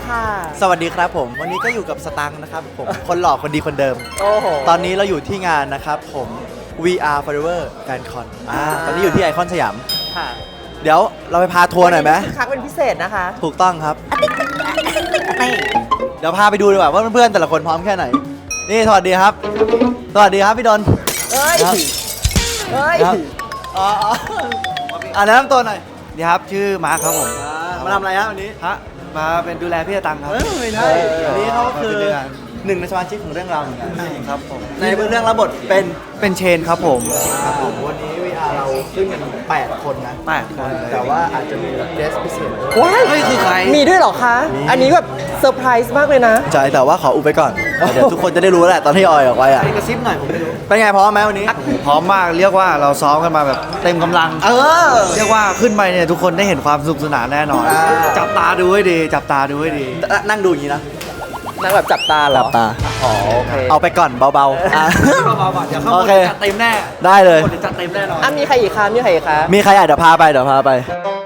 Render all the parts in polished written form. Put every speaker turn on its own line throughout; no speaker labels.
ค่ะ
สวัสดีครับผมวันนี้ก็อยู่กับสตังค์นะครับผมคนหล่อคนดีคนเดิม
โอ้โห
ตอนนี้เราอยู่ที่งานนะครับผม VR Forever Fan Con ตอนนี้อยู่ที่ไอคอนสยาม
ค่ะ
เดี๋ยวเราไปพาทัวร์หน่อยไหม
คึกคักเป็นพิเศษนะคะ
ถูกต้องครับ เดี๋ยวพาไปดูดีกว่าว่าเพื่อนๆแต่ละคนพร้อมแค่ไหน นี่สวัสดีครับ สวัสดีครับพี่ดน
เอ้ย
ครับ
เอ้ย
ครับอ๋อแนะนำตัวหน่อย
นี่ครับชื่อมาร์คครับผม
มาทำอะไรฮะวันนี้
ฮะมาเป็นดูแลพี่ตังครับ
ไม่ใช่อันนี้เขาคือ
เป็นเรื่อง
หนึ่งในสมาชิกของเรื่องราวเหมือนกัน
ครับผม
ในเรื่องรับบทเป็น
เป็นเชนครับผม
ครับผมวันนี้ VR เราขึ้นกัน8 คนนะ
8 คน
แต่ว่าอาจจะมีเกสพิเศษด้วย
ว้าย
เฮ้ยคือใคร
มีด้วยเหรอคะ อันนี้แบบเซอร์ไพรส์มากเลยนะ
ใช่แต่ว่าขออุบไปก่อน เดี๋ยวทุกคนจะได้รู้แหละตอนที่ออยออกไปอ่ะ
ใครกระซิบหน่อยผมไม่รู้
เป็นไงพร้อมไหมวันนี้
พร้อมมากเรียกว่าเราซ้อมกันมาแบบเต็มกำลัง
เออ
เรียกว่าขึ้นไปเนี่ยทุกคนได้เห็นความสนุกสนานแน่นอน
อ่า
จับตาดูให้ดี จับตาดูให้ดี
นั่งดูอย่างนี้นะ
นั่งแบบจับตาเหรอ
จับตา
อ๋อโอเค
เอาไปก่อนเบาๆอ่ะ
เบาๆก่อนเดี๋ยวข้างบ
โอนเค
จัดเต็มแน่
ได้เลย
คนจัดเต็มแน่นอน
อ่ะมีใครอีกคะมีใครอีกคะ
มีใครอยากเดี๋ยวพาไปเดี๋ยวพาไป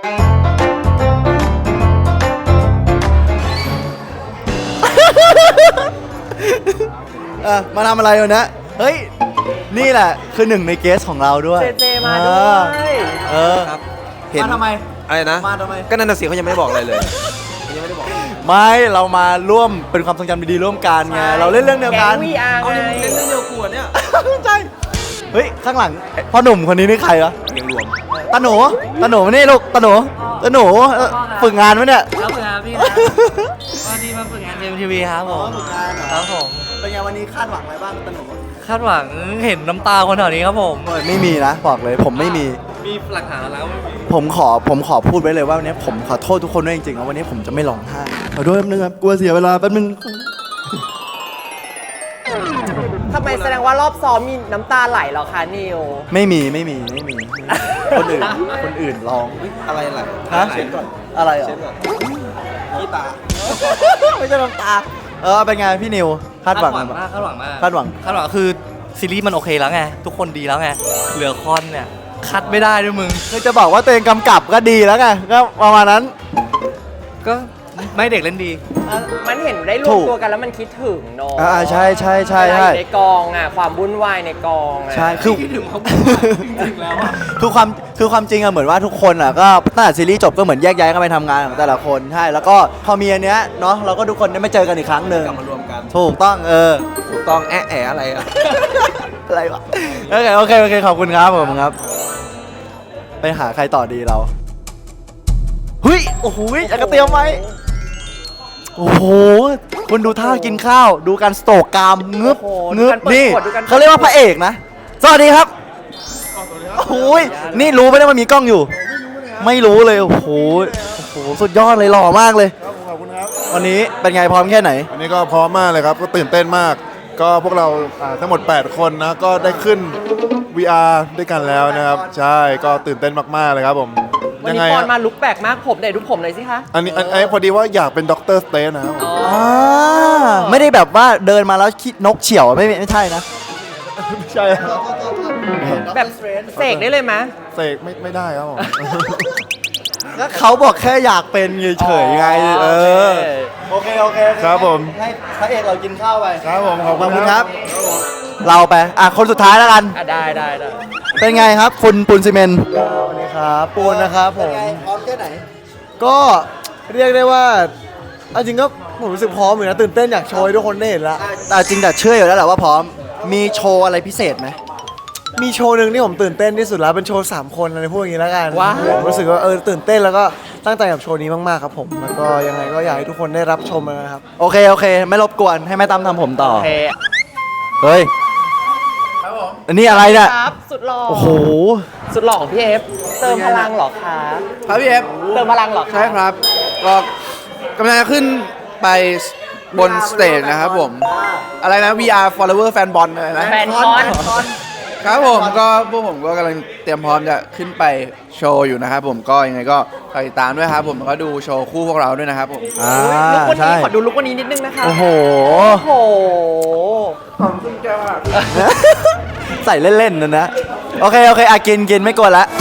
มาทำอะไรวันนี้เฮ้ย นี่แหละคือหนึ่งในเกสของเราด้วย
เจเจมาด้วย
เออ
ครับ
มาทำไม
อะไรนะ
มาทำไม
ก็นั่นน่ะสิเขายังไม่ได้บอกอะไรเลย
ไม่เรามาร่วมเป็นความทรงจำดีๆร่วมกันไง เราเล่นเรื่องเดียวกัน
แก๊ง VR
เอา
ไง
เล่นเรื่องเดียวกูอะเนี่ย
ใช่เฮ้ย ข้างหลังพ่อหนุ่มคนนี้นี่ใครวะ
เรียงรวม
ตาหนูตาหนูมานี่ลูกตาหนูตาหนูฝึกงานไหมเนี่ย
ครับฝึกงานพี่ครับวันนี้มาฝึกงานเอ็มทีวีครับผมครับผม
เป็นไงวันนี้คาดหวังอะไรบ้างตาหนู
คาดหวังเห็นน้ำตาคนแถวนี้ครับผม
ไม่มีนะบอกเลยผมไม่มี
มีหลักฐานแล้ว
ผมขอพูดไว้เลยว่าวันนี้ผมขอโทษทุกคนด้วยจริงๆนะวันนี้ผมจะไม่ร้องไห้ขอโทษแป๊บนึงครับกลัวเสียเวลาแป๊บนึง
ทำไมแสดงว่ารอบซ้อมมีน้ำตาไหลเหรอคะนิว
ไม่มีคนอื่นร้อง
อะไรล่ะ
ฮะอะไรอ่ะ
ขี้ตา
ไม่ใช่น้ำตาเป็นไงพี่นิวคาดหวัง
มากคาดหวังมาก
คาดหวัง
คาดหวังคือซีรีส์มันโอเคแล้วไงทุกคนดีแล้วไงเหลือคอนเนี่ยคัดไม่ได้ด้วยมึง
คือจะบอกว่าตัวเองกำกับก็ดีแล้วไงก็ประมาณนั้น
ก็ไม่เด็กเล่นดี
มันเห็นได้รว
ถู
ม
ก
ตัวกันแล้วมันคิดถึงเนอะ
ใช่ใช่ใช่
เวลาอ
ใช่
ยู่ในกองอ่ะความวุ่นวายในกองอ่ะ
ใช่คือ
คิดถึงเขาจริงๆแล้วอะ
คือความจริงอะเหมือนว่าทุกคนอะก็ตั้งแต่ซีรีส์จบก็เหมือนแยกย้ายกันไปทำงานของแต่ละคนใช่แล้วก็พอมีอันเนี้ยเนาะเราก็ทุกคนได้มาเจอกันอีกครั้งหนึ่ง
กลับมารวมกัน
ถูกต้อง
ถูกต้องแอะแอะอะไรอะ
อะไรวะโอเคขอบคุณครับผมครับ ไปหาใครต่อดีเราเฮ้ยโอ้โหอยากจะเตรียมไว้โอ้โหคุณดูท่ากินข้าวดูการสโตกกรามงึบ
โอ้โห
งึบ
ดูการเปิด
นี่
ขวดดูการ
เขาเรียกว่าพระเอกนะสวัสดีครับโอ้ยนี่รู้ไหมเนี่ยมันมีกล้องอยู่ ไม่รู้เลยโอ้โหสุดยอดเลยหล่อมากเลย
ครับขอบคุณครับ
วันนี้เป็นไงพร้อมแค่ไหน
อันนี้ก็พร้อมมากเลยครับ ก็ตื่นเต้นมาก ก็พวกเราทั้งหมด 8 คนนะ ก็ได้ขึ้น VR ด้วยกันแล้วนะครับ ใช่ ก็ตื่นเต้นมาก ๆ เลยครับผม
วัน
ยัง
นี้
ไง
ปอนมา
ฮะ
ลุกแปลกมากผมไหนดูผมหน่อยสิคะ
อันนี้พอดีว่าอยากเป็นด็อกเตอร์สเตนนะครับผม
ไม่ได้แบบว่าเดินมาแล้วคิดนกเฉี่ยวไม่ใช่นะ
ไม่ใช่ครับ
แบบเสกได้เลยไหม
เสกไม่ได้ครับผม
ก็เขาบอกแค่อยากเป็นเฉยๆไงโอเค
ครับผม
ให้พระเอกเรากินข้าวไป
ครับผมขอบ
ขอบ
คุ
คุณ
ณ
ค
ค
รั
รับ บ
เราไปคนสุดท้ายแล้วกัน
ได้
เป็นไงครับคุณปูนซีเมนต์สวัสดีครับปูนนะครับผมพร้อมแค่ไหน
ก็เรียกได้ว่าเอาจริงก็ผมรู้สึกพร้อมอยู่นะตื่นเต้นอยากโชว์ให้ทุกคนได้เห็นละ
แต่จริงแต่เชื่ออยู่แล้วแหละว่าพร้อมมีโชว์อะไรพิเศษไหม
มีโชว์หนึ่งที่ผมตื่นเต้นที่สุดแล้วเป็นโชว์3คนอะไรพวกอย่างนี้แล้วกัน
ว้าว
ผมรู้สึกว่าตื่นเต้นแล้วก็ตั้งใจกับโชว์นี้มากๆครับผมแล้วก็ยังไงก็อยากให้ทุกคนได้รับชมนะครับ
โอเคไม่รบกวนให้แม่ตั้มทำผมต่อ
โอเค
เฮ้ยอันนี้อะไรเนี่ย
ครับสุดหล่อ
โอ้โห
สุดหล่อของพี่เอฟเติมพลังเหรอคะ
ครับพี่เอฟ
เติมพลังเหรอคะ
ใช่ครับ ก็กำลังจะขึ้นไปบนสเตจนะครับผม อะไรนะ VR Follower Fan Bond อะไรนะ
แฟนคอน
ครับผมก็พวกผมก็กำลังเตรียมพร้อมจะขึ้นไปโชว์อยู่นะครับผมก็ยังไงก็ฝากติดตามด้วยครับผมแล้วก็ดูโชว์คู่พวกเราด้วยนะครับผม
ลุกวัน
ใช่
นี้ขอดูลุกวันนี้นิดนึงนะคะ
โอ้โห
โอ้โห
ใส่เล่นๆนะโอเคกินไม่กลัวละ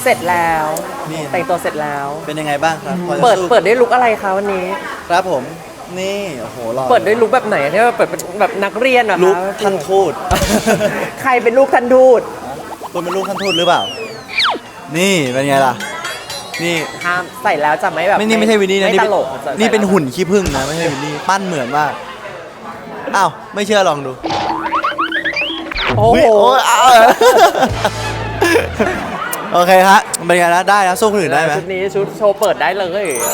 เสร็จแล้วแต่งตัวเสร็จแล้ว
เป็นยังไงบ้างครับพอจะ
เปิด
สู้
เปิดด้วยลุคอะไรคะวันนี้
ครับผมนี่โอ้โหหล่อ
เปิดด้วยลุคแบบไหนที่ว่าเปิดเป็นแบบนักเรียนเหรอคะ
ลูกท่านทูต
ใครเป็นลูกท่านทูต
คุณเป็นลูกท่านทูตหรือเปล่า นี่เป็นไงล่ะ นี่
ห้ามใส่แล้วจะไม่แบบ
ไม่ใช่วินนี่นะ
ไม่
นี่
ต
เป็น
ลก
นี่เป็นหุ่นขี้ผึ้งนะไม่ใช่วินนี่ปั้นเหมือนมากอ้าวไม่เชื่อลองดู
โอ้โห
ยอ้าวโอเคฮะเป็นไงนะได้นะสู้คนอื่นได้ไหม
ชุดนี้ชุดโชว์เปิดได้เลย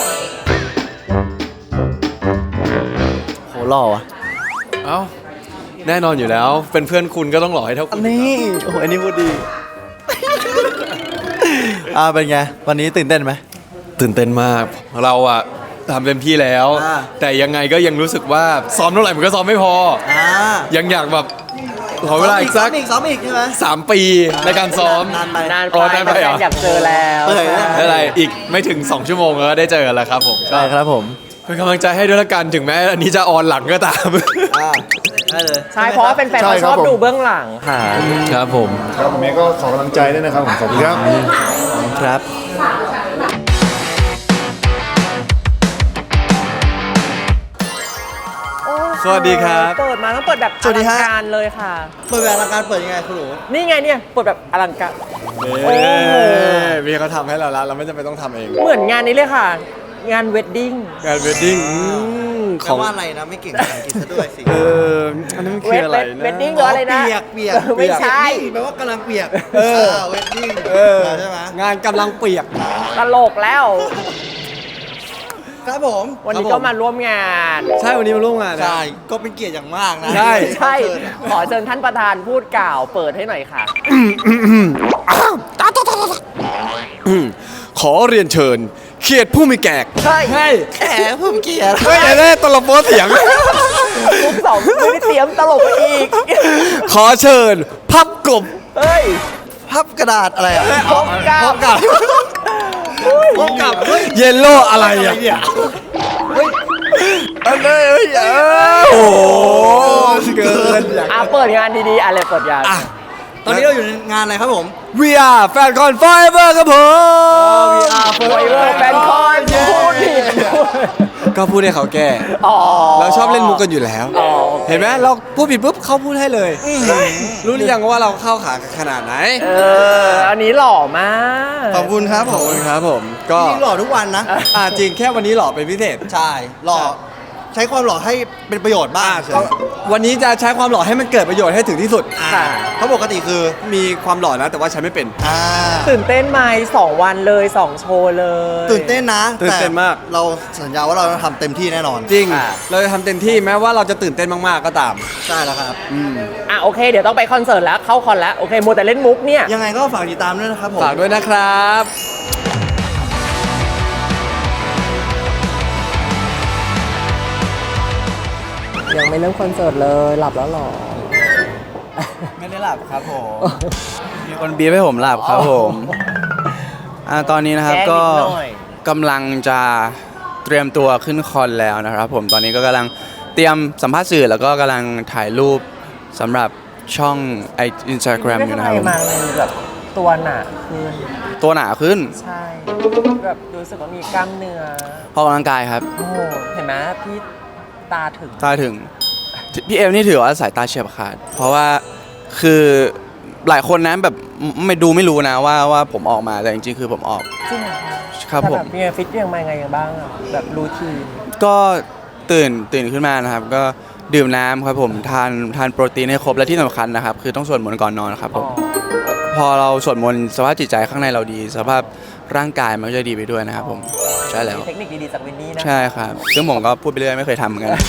โหหล่อว่ะ
เอ้าแน่นอนอยู่แล้ว เป็นเพื่อนคุณก็ต้องหล่อให้เท่าคุณ
นี่โอ้โหอันนี้พูดดีเป็นไงวันนี้ตื่นเต้นไหม
ตื่นเต้นมากเราอะทำเต็มที่แล้ว
อ่า
แต่ยังไงก็ยังรู้สึกว่าซ้อมเท่าไหร่มันก็ซ้อมไม่พอ ยังอยากแบบขอเวลาอีกสัก
ซ้อมอีกใช่ไหม
3 ปีในการซ้อม
นานไป
นาน
อ๋อ
ไป
นานไปเหรอ
แฟนๆอยากเจอแล้ว
เปิดนะ
อะไรอีกไม่ถึง 2 ชั่วโมงก็ได้เจอกันแล้วครับผม
ใช่ครับผม
เป็นกำลังใจให้ด้วยละกันถึงแม้อันนี้จะออนหลังก็ตาม
ได้เลย
ใช่เพราะว่าแฟนๆเขาชอบดูเบื้องหลังค่ะ
ครับผม
ครับผมเองก็ขอกำลังใจด้วยนะครับผมขอบคุณครับ
ครับ
สวัสดีครับ
เปิดมาต้องเปิดแบบ
สวัสดีฮะ
อลังการเลยค่ะ
เปิดแบบอลังการเปิดยังไงคุณหนู
นี่ไงเนี่ยเปิดแบบอลังการ
เอ้
โอ้โห
มีเขาทำให้เราแล้วเราไม่จำเป็นต้องทำเอง
เหมือนงานนี้เลยค่ะ งานเวดดิ้ง
งานเวดดิ้งข
ขอ
อง
ว่าอะไรนะไม่เก่งภาษาอังกฤษซะด้วยสิ
อันนั้นมันคืออะไรนะ
เวดดิ้งหรืออะไรนะ
เปียกเปียก
ไม่ใช่
แปลว่ากำลังเปียกเวดดิ้งใช่ไหม
งานกำลังเปียก
ตลกแล้ว
ครับผม
วันนี้ก็มาร่วมงาน
ใช่วันนี้มาร่วมงานนะ
ใช่ก็เป็นเกียรติอย่างมากนะ
ใช่
ใช่ ขอเชิญท่านประธานพูดกล่าวเปิดให้หน่อยค่ะ
ขอเรียนเชิญเขียดผู้มีแกก
ใช่
แขกผมเกียรติ
เฮ้ยแน่ตลบโป๊เสียง
ทุกสองไม่ได้เตรียมตลกไปอีก
ขอเชิญ พับกบ
เฮ้ย
พับกระดาษอะไรอ่ะ
พบกับ
พบกับ
เยลโล่อะไรอ่ะอันนี้โอ้โหเกินอยาก
เปิดงานดีๆอะไรเปิดงาน
ตอนนี้เราอยู่ในงานอะไรครับผม
We are Fan Con Forever ครับผม
โฟเวอร์แฟนคอนพูดผิด
ก็พูดให้เขาแก้
อ๋อ
เราชอบเล่นมุกกันอยู่แล้ว
อ๋อ
เห็นไหมเราพูดผิดปุ๊บเขาพูดให้เลย รู้หรือยังว่าเราเข้าขาขนาดไหน
อันนี้หล่อมาก
ขอบคุณครับ
ข
ผ
อบ
ม
คุณครับผม ก็
จริงหล่อทุกวันนะ
จริงแค่วันนี้หล่อเป็นพิเศษ
ใช่หล่อใช้ความหล่อให้เป็นประโยชน์บ้าง
ก็วันนี้จะใช้ความหล่อให้มันเกิดประโยชน์ให้ถึงที่สุด
ค่ะ
เพราะปกติคือ
มีความหล่อนะแต่ว่าใช้ไม่เป็น
ตื่นเต้นไหม2 วันเลย 2 โชว์เลย
ตื่นเต้นนะ
ตื่นเต้นมาก
แต่เราสัญญาว่าเราจะทำเต็มที่แน่นอน
จริง เราจะทำเต็มที่แม้ว่าเราจะตื่นเต้นมากๆก็ตาม
ใช่แล้วครับ
โอเค เดี๋ยวต้องไปคอนเสิร์ตแล้ว เข้าคอนแล้ว โอเคมัวแต่เล่นมุกเนี่ย
ยังไงก็ฝากติดตามด้วยนะครับผม
ฝากด้วยนะครับ
ยังไม่เริ่มคอนเสิร์ตเลยหลับแล้วหรอ
ไม่ได้หลับครับผม
มีคนบีบให้ผมหลับครับผมตอนนี้นะครับ
แกล้ง
ก็
นิดหน่อย
กำลังจะเตรียมตัวขึ้นคอนแล้วนะครับผมตอนนี้ก็กำลังเตรียมสัมภาษณ์สื่อแล้วก็กำลังถ่ายรูปสำหรับช่องInstagram อยู่นะครับผม
มาเลยแบบตัวหนาขึ้น
ตัวหนาขึ้น
ใช่ แบบรู้สึกว่ามีกล้ามเนื้อ
เพราะออกกำลังกายครับ
โอ้โหเห็นไหมพี่ตาถึง
ตาถึงพี่เอมนี่ถือว่าสายตาเฉียบขาด เพราะว่าคือหลายคนนะแบบไม่รู้นะว่าผมออกมาแต่จริงๆคือผมออก
จริงเหรอคะ
ครับ
แต่
ผม
แบบมีฟิตยังไงไงบ้างอะแบบรูทีน
ก็ตื่นขึ้นมานะครับ ก็ดื่มน้ำครับผมทานโปรตีนให้ครบและที่สำคัญนะครับ คือต้องสวดมนต์ก่อนนอนครับผมพอเราสวดมนต์สภาพจิตใจข้างในเราดี สภาพร่างกายมันก็จะดีไปด้วยนะครับผมใช่แล้ว
มีเทคนิคดีๆจากวินนี่นะ
ใช่ครับซึ่งผมก็พูดไปเรื่อยไม่เคยทำเหมือนกัน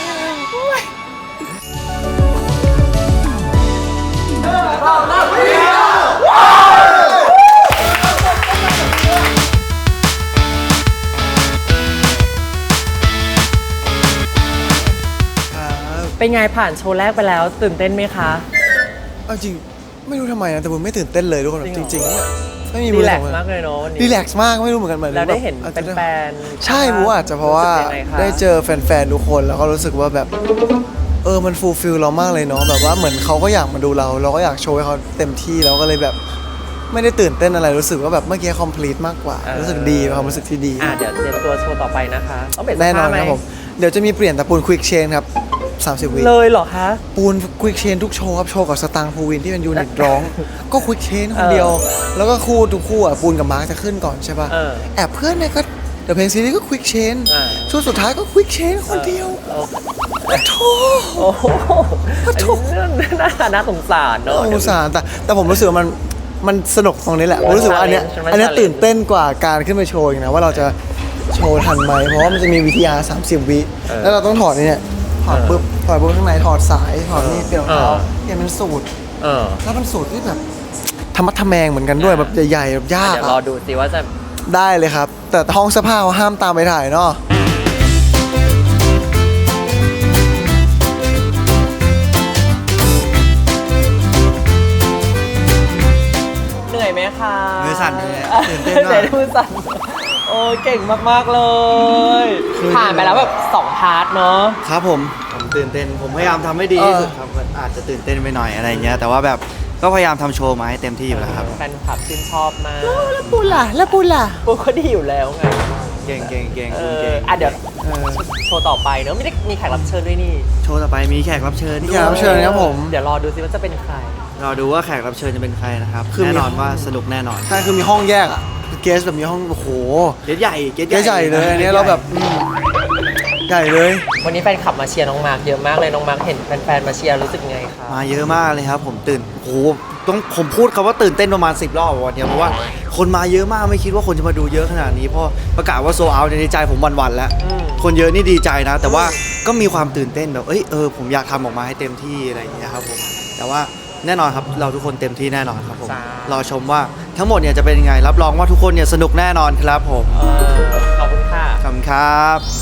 เป็นไงผ่านโชว์แรกไปแล้ว ตื่นเต้นไหมคะ
เอาจริงไม่รู้ทำไมนะแต่ผมไม่ตื่นเต้นเลยทุกคน
จริงเหรอ
จริงๆไม่มี
รี
มือ
แล
ส
ก
อง
ซ์มากเลยเนาะวันนี้
รีแลกซ์มากไม่รู้เหมือนกันหมายถึง
แล้วได้เห็น
อาจจะ
แฟนๆ
ใช่ผมว่าอาจจะเพราะว่า
สึกยังไงคะ
ได้เจอแฟนๆทุกคนแล้วก็รู้สึกว่าแบบมันฟูลฟิลเรามากเลยเนาะแบบว่าเหมือนเขาก็อยากมาดูเราก็อยากโชว์ให้เขาเต็มที่เราก็เลยแบบไม่ได้ตื่นเต้นอะไรรู้สึกว่าแบบเมื่อกี้ complete มากกว่า รู้สึกดีความรู้สึกที่ดี
เดี๋ยวเตรียมตัวโชว์ต่อไปนะคะต้องเปลี่ยนเสื้
แน่
อน
อ
ผ้าน ไหม
ครับผมเดี๋ยวจะมีเปลี่ยนแต่ปูน Quick Change ครับ30 วิ
เลยเหรอคะ
ปูน Quick Change ทุกโชว์ครับโชว์กับสตางค์ภูวินที่เป็นยูนิตร้อง ก็ Quick Change คนเดียว แล้วก็คู่ทุกคู่อ่ะปูนกับมาร์คจะขึ้นก่อนใช่ป่ะ แอบเพื่อนเนี่ยก็เดี๋ยวเพลงซีรีส์ก็ Quick Change ช่วงสุดท้ายก็ Quick Change คนเดียวโธ่
โอ้โหอันนี้เรื่องน่าสงสารเนอะ
สงสารแต่ผมรู้สึกว่ามันสนุกตรงนี้แหละผมรู้สึกว่าอันเนี้ย
มัน
อันเนี้ย
challenge
ตื่นเต้นกว่าการขึ้นไปโชว์อีกนะว่าเราจะโชว์ทันไหมเพราะว่ามันจะมีวิทยา30 วิแล้วเราต้องถอดเนี่ยถอดปุ๊บข้างในถอดสายถอดนี่เปลี่ยนรองเท้าเปลี่ยนเป็นสูตรแล้วเป็นสูตรที่แบบธรรมะทแมงเหมือนกันด้วยแบบใหญ่ๆแบบยาก
เดี๋ยวรอ
อะ
ดูสิว่าจะ
ได้เลยครับ แต่ห้องเสื้อผ้าเขาห้ามตามไปถ่ายเนาะ
เหนื่อยไหมคะ
มือสั่นเลยตื่นเต้นมาก
ไหมือสั่นโอ้ยเก่งมากๆเลย ผ่านไปแล้วแบบ2 พาร์ทเนาะ
ครับผมตื่นเต้นผมพยายามทำให้ดีที่สุดครับอาจจะตื่นเต้นไปหน่อยอะไรเงี้ยแต่ว่าแบบก็พยายามทำโชว์มาให้เต็มที่อยู่แล้วครับ
แฟนคลับชื่นชอบมาก
แล้วปูล่ะ
ปูก็ดีอยู่แล้วไง
เก่งเก่งเก่ง
เอ
คุณ
อ
เก่ง
เดี๋ยวโชว์ต่อไปเนอะไม่ได้มีแขกรับเชิญด้วยนี่
โชว์ต่อไปมีแขกรับเชิญ
แขกรับเชิญครับผม
เดี๋ยวรอดูสิว่าจะเป็นใคร
รอดูว่าแขกรับเชิญจะเป็นใครนะครับ
คือ
แน่นอนว่าสนุกแน่นอน
ใช่คือมีห้องแยกอะเกสแบบมีห้องโอ้โห
เกสใหญ่
เกสใหญ่เลยอันนี้เราแบบใหญ่เลย
วันนี้แฟนคลับมาเชียร์น้องมาร์คเยอะมากเลยน้องมาร์คเห็นแฟนๆมาเชียร์รู้สึกไงคะ
มาเยอะมากเลยครับผมตื่นโอ้โหต้องผมพูดคำว่าตื่นเต้นประมาณ10 รอบวันเนี้ยเพราะว่าคนมาเยอะมากไม่คิดว่าคนจะมาดูเยอะขนาดนี้เพราะประกาศว่าโซเอาในใจผมวันๆแล้ว คนเยอะนี่ดีใจนะ แต่ว่าก็มีความตื่นเต้นแบบผมอยากทำออกมาให้เต็มที่อะไรอย่างเงี้ยครับผมแต่ว่าแน่นอนครับเราทุกคนเต็มที่แน่นอนครับผมรอชมว่าทั้งหมดเนี่ยจะเป็นยังไงรับรองว่าทุกคนเนี่ยสนุกแน่นอนครับผม
ขอบคุณค่ะ
ขอบคุณครับ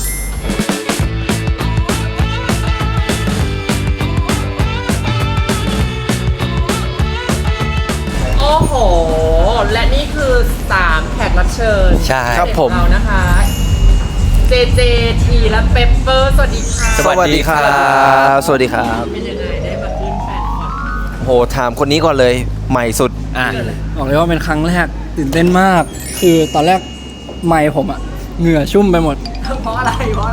โอ้โห และนี่คือ 3 แขกรับเชิญ
ใช่ครับผม
ของเรานะคะ JJ ทีและเปปเปอร์สวัสดีค่ะ
สวัสดีครับ
สวัสดีครับ
เป็นยังไงได้มาขึ้นแฟนคลับ
โหถามคนนี้ก่อนเลยใหม่สุด
บอกเลยว่าเป็นครั้งแรกตื่นเต้นมาก คือตอนแรกไมค์ผมอะเหงื่อชุ่มไปหมด
เพราะอะไร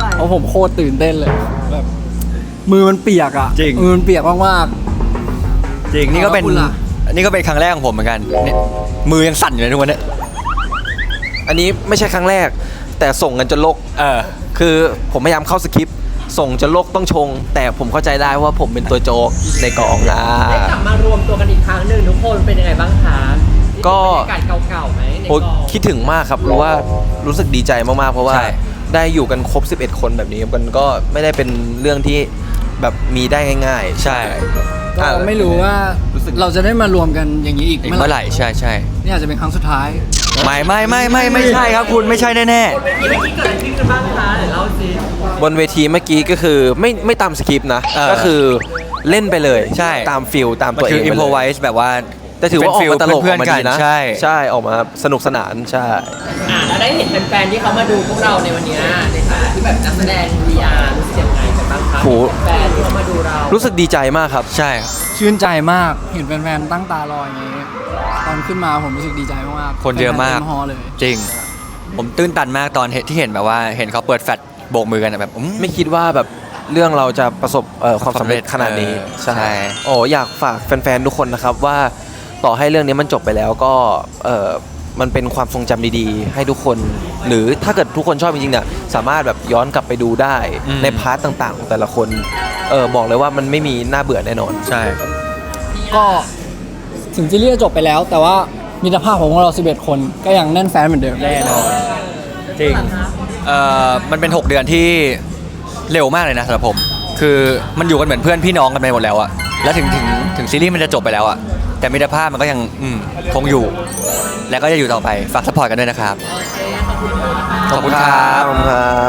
เพราะผมโคตรตื่นเต้นเลยแบบมือมันเปียกอะ
จริง
มือมันเปียกมาก
จริงนี่ก็เป็น
ขอบคุณล่ะ
นี่ก็เป็นครั้งแรกของผมเหมือนกันเนี่ยมือยังสั่นอยู่เลยทุกวันเนี้ย
อันนี้ไม่ใช่ครั้งแรก แต่ส่งกันจนโลกคือผมพยายามเข้าสคริปต์ส่งจนโลกต้องชง แต่ผมเข้าใจได้ว่าผมเป็นตัวโจ๊กในกองนะ
ได้กลับมารวมตัวกันอีกครั้งหนึ่งทุกคนเป็นยังไงบ้างคะ
ก็
บรรยากาศเก่าๆไหมใน
โอ้
กอง
คิดถึงมากครับรู้ว่ารู้สึกดีใจมากๆเพราะว่าได้อยู่กันครบ 11 คนแบบนี้มันก็ไม่ได้เป็นเรื่องที่แบบมีได้ง่าย ๆ
ใช่
ๆก็ไม่รู้ว่าเราจะได้มารวมกันอย่างนี้อีก
เมื่อไหร่ใช่ใช่
นี่อาจจะเป็นครั้งสุดท้าย
ไม่ใช่ครับคุณไม่ใช่แน่
เมื่อกี้เกิดอะไรขึ้นกันบ้างคะเดี๋ยวเล่าสิ
บนเวทีเมื่อกี้ก็คือไม่ตามสคริปต์นะก็คือเล่นไปเลย
ใช่
ตามฟิลตาม
มัน
ตัวเอ
คื
ง
อ
ไป
อิม
เล
พอไว
ย
ส์แบบว่า
แต่ถือว่าออกมาตลกออกมาดีนะ
ใช่
ใช่ออกมาสนุกสนานใช่
แล้วได้เห็นแฟนๆที่เขามาดูพวกเราในวันนี้ในฐานะที่แบบนักแสดง VR รู้สึกยังไงกันบ้างคะ
โห
แฟนที่เขามาดูเรา
รู้สึกดีใจมากครับ
ใช่
ชื่นใจมากเห็นแฟนๆตั้งตารออย่างนี้ตอนขึ้นมาผมรู้สึกดีใจมากๆ
คนเยอะมาก
แฟนๆเต็ฮอลล์เลย
จริง ผมตื้นตันมากตอนที่เห็นแบบว่าเห็นเขาเปิดแฟลชโบกมือกันอะแบบ
ไม่คิดว่าแบบเรื่องเราจะประสบความสำเร็จขนาดนี้
ใช่
โอ้อยากฝากแฟนๆทุกคนนะครับว่าต่อให้เรื่องนี้มันจบไปแล้วก็มันเป็นความทรงจำดีๆ ให้ทุกคน หรือถ้าเกิดทุกคนชอบจริงๆเนี่ยสามารถแบบย้อนกลับไปดูได้ในพาร์ทต่างๆของแต่ละคนบอกเลยว่ามันไม่มีน่าเบื่อแน่นอน
ใช่
ก็ถึงซีรีส์จะจบไปแล้ว แต่ว่ามิตรภาพของเรา 11 คนก็ยังแน่นแฟนเหมือนเดิม
แน่นอนจริงมันเป็น 6 เดือนที่เร็วมากเลยนะสำหรับผม คือมันอยู่กันเหมือนเพื่อนพี่น้องกันไปหมดแล้วอะแล้วถึงซีรีส์มันจะจบไปแล้วอะแต่มิตรภาพมันก็ยังคงอยู่ และก็จะอยู่ต่อไปฝากซัพพอร์ตกันด้วยนะครับ ขอบคุณครับ
ขอบคุณครับ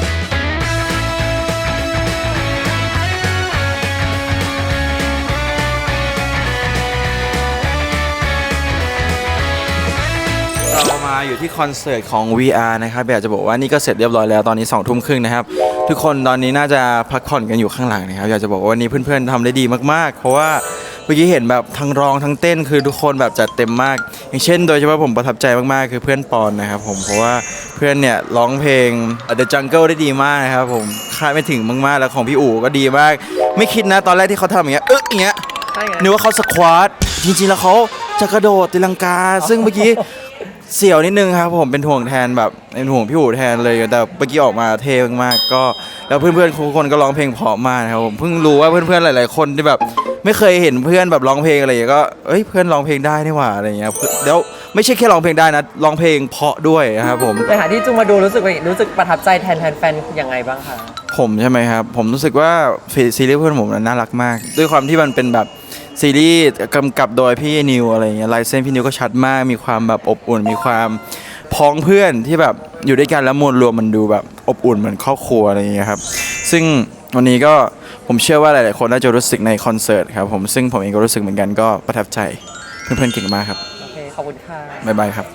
เรามาอยู่ที่คอนเสิร์ตของ VR นะครับอยากจะบอกว่านี่ก็เสร็จเรียบร้อยแล้วตอนนี้ 20:30 นะครับทุกคนตอนนี้น่าจะพักผ่อนกันอยู่ข้างหลังนะครับอยากจะบอกว่าวันนี้เพื่อนๆทำได้ดีมากๆเพราะว่ามื่อกี้เห็นแบบทั้งร้องทั้งเต้นคือทุกคนแบบจัดเต็มมาก อย่างเช่นโดยเฉพาะผมประทับใจมากๆคือเพื่อนปอนนะครับผมเพราะว่าเพื่อนเนี่ยร้องเพลง The Jungle ได้ดีมากนะครับผมคาดไม่ถึงมากๆแล้วของพี่อู๋ก็ดีมาก ไม่คิดนะตอนแรกที่เขาทำอย่างเงี้ยอย่างเงี้ยนึกว่าเขาสควอตจริงๆแล้วเขาจะกระโดดตีลังกา ซึ่งเมื่อกี้เสี่ยวนิดนึงครับผมเป็นห่วงแทนแบบเป็นห่วงพี่อู๋แทนเลยแต่เมื่อกี้ออกมาเท่มากๆก็แล้วเพื่อนๆทุกคนก็ร้องเพลงเพราะมากนะครับผมเพิ่งรู้ว่าเพื่อนๆหลายๆคนที่แบบไม่เคยเห็นเพื่อนแบบร้องเพลงอะไรอย่างเงี้ยก็เพื่อนร้องเพลงได้นี่หว่าอะไรอย่างเงี้ยแล้วไม่ใช่แค่ร้องเพลงได้นะร้องเพลงเพราะด้วยนะครับผม
ในฐานะที่จุงมาดูรู้สึกประทับใจแทนแฟนยังไงบ้างคะ
ผมใช่ไหมครับผมรู้สึกว่าซีรีส์เพื่อนผมน่ารักมาก ด้วยความที่มันเป็นแบบซีรีส์กำกับโดยพี่นิวอะไรอย่างเงี้ยลายเส้นพี่นิวก็ชัดมากมีความแบบอบอุ่นมีความพ้องเพื่อนที่แบบอยู่ด้วยกันแล้วมวลรวมมันดูแบบอบอุ่นเหมือนครอบครัวอะไรอย่างเงี้ยครับซึ่งวันนี้ก็ผมเชื่อว่าหลายๆคนน่าจะรู้สึกในคอนเสิร์ตครับผมซึ่งผมเองก็รู้สึกเหมือนกันก็ประทับใจเพื่อนๆเก่งมากครับ
โอเคขอบคุณค่ะ
บ๊ายบายครับ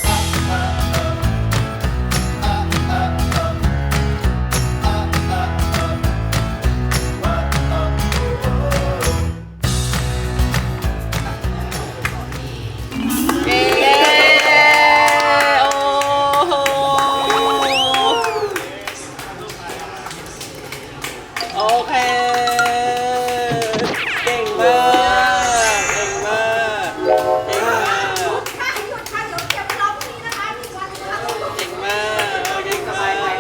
โอเคเก่งมากเก่งมากเก่งมากเก่งมากเก่งมาก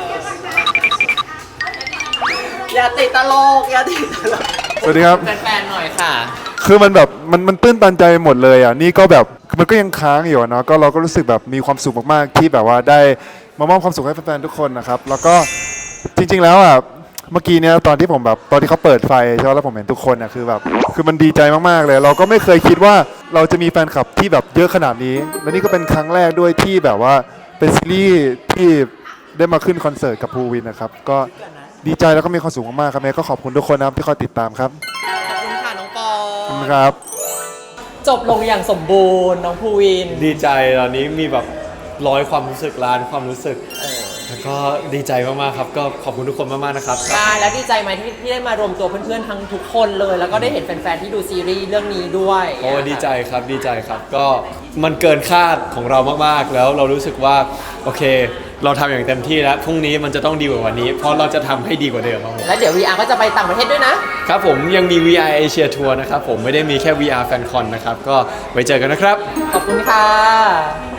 อย่าติดตลกอย่าติดตลก
สวัสดีครับ
แฟนๆหน่อยค่ะ
คือมันแบบมันตื้นตันใจหมดเลยอ่ะนี่ก็แบบมันก็ยังค้างอยู่อะเนาะก็เราก็รู้สึกแบบมีความสุขมากๆที่แบบว่าได้มามอบความสุขให้แฟนๆทุกคนนะครับแล้วก็จริงๆแล้วอ่ะเมื่อกี้เนี่ยตอนที่เขาเปิดไฟใช่ไหมแล้วผมเห็นทุกคนอ่ะคือแบบคือมันดีใจมากๆเลย เราก็ไม่เคยคิดว่าเราจะมีแฟนคลับที่แบบเยอะขนาดนี้และนี่ก็เป็นครั้งแรกด้วยที่แบบว่าเป็นซีรีส์ที่ได้มาขึ้นคอนเสิร์ตกับภูวินนะครับก็ดีใจแล้วก็มีความสุขมากๆครับแม่ก็ขอบคุณทุกคนนะครับที่คอยติดตามครับ
ขอบคุณค่ะน้องปอ
ขอบคุณครับ
จบลงอย่างสมบูรณ์น้องภูวิน
ดีใจตอนนี้มีแบบร้อยความรู้สึกล้านความรู้สึกแล้วก็ดีใจมากๆครับก็ขอบคุณทุกคนมากๆนะครับ
ได้แล้วดีใจไหมที่ได้มารวมตัวเพื่อนๆทั้งทุกคนเลย แล้วก็ได้เห็นแฟนๆที่ดูซีรีส์เรื่องนี้ด้วย
โอ้ดีใจครับดีใจครับก็มันเกินคาดของเรามากๆแล้วเรารู้สึกว่าโอเค เราทำอย่างเต็มที่แล้วพรุ่งนี้มันจะต้องดีกว่าวันนี้ เพราะเราจะทำให้ดีกว่าเดิมครับผม
แล้วเดี๋ยว VR ก็จะไปต่างประเทศด้วยนะครับ
ผมยังมี VR Asia Tour นะครับผมไม่ได้มีแค่ VR FanCon นะครับก็ไว้เจอกันนะครับ
ขอบคุณค่ะ